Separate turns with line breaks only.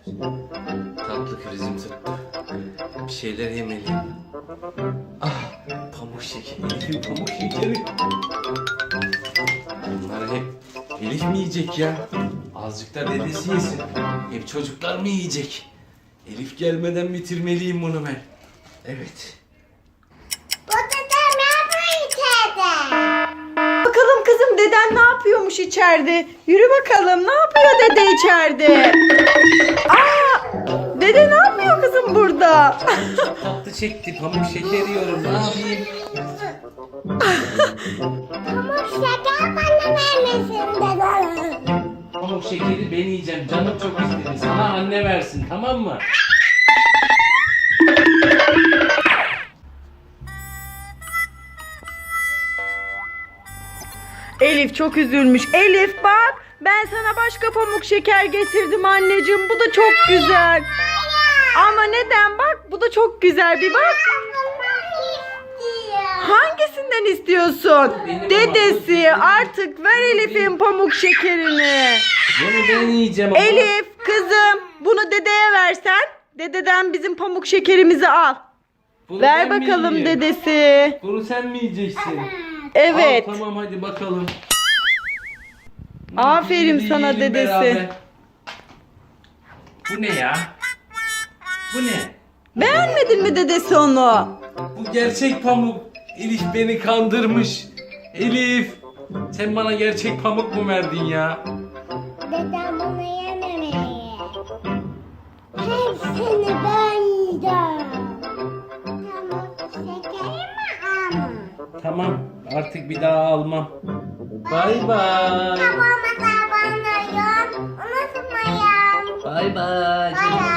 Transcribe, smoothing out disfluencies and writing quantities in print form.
Tatlı krizim tuttu. Bir şeyler yemeliyim. Ah, pamuk şekeri. Elif'in pamuk şekeri. Bunları hep Elif mi yiyecek ya? Azıcık da dedesi yesin. Hep çocuklar mı yiyecek? Elif gelmeden bitirmeliyim bunu ben. Evet.
Bakalım kızım, deden ne yapıyormuş içeride? Yürü bakalım, ne yapıyor dede içeride? Aa, dede ne yapıyor kızım burada?
Çok tatlı çekti. Pamuk şeker yiyorum. Ne yapayım?
Pamuk şeker bana vermesin dede.
Pamuk şekeri ben yiyeceğim. Canım çok istedi. Sana anne versin, tamam mı?
Elif çok üzülmüş. Elif bak, ben sana başka pamuk şeker getirdim anneciğim. Bu da çok güzel. Ama neden, bak bu da çok güzel, bir bak. Hangisinden istiyorsun?
Benim
Dedesi, artık ver Elif'in pamuk şekerini.
Bunu ben yiyeceğim ama.
Elif kızım, bunu dedeye versen, dededen bizim pamuk şekerimizi al.
Bunu
Ver
ben mi
bakalım
yiyeyim?
dedesi.
Bunu sen mi yiyeceksin?
Evet.
Al, tamam hadi bakalım.
Aferin
Hadi
sana
yiyelim
dedesi.
beraber. Bu ne ya? Bu ne?
Beğenmedin mi dedesi onu?
Bu gerçek pamuk. Elif beni kandırmış. Elif, sen bana gerçek pamuk mu verdin ya?
Dedem bunu yememeli. Hepsini ben yiyeceğim. Pamuk şekeri mi ama?
Tamam, artık bir daha almam. Bay bay.
Babama da bana yok. Unutmayın.
Bay bay.
Bay bay.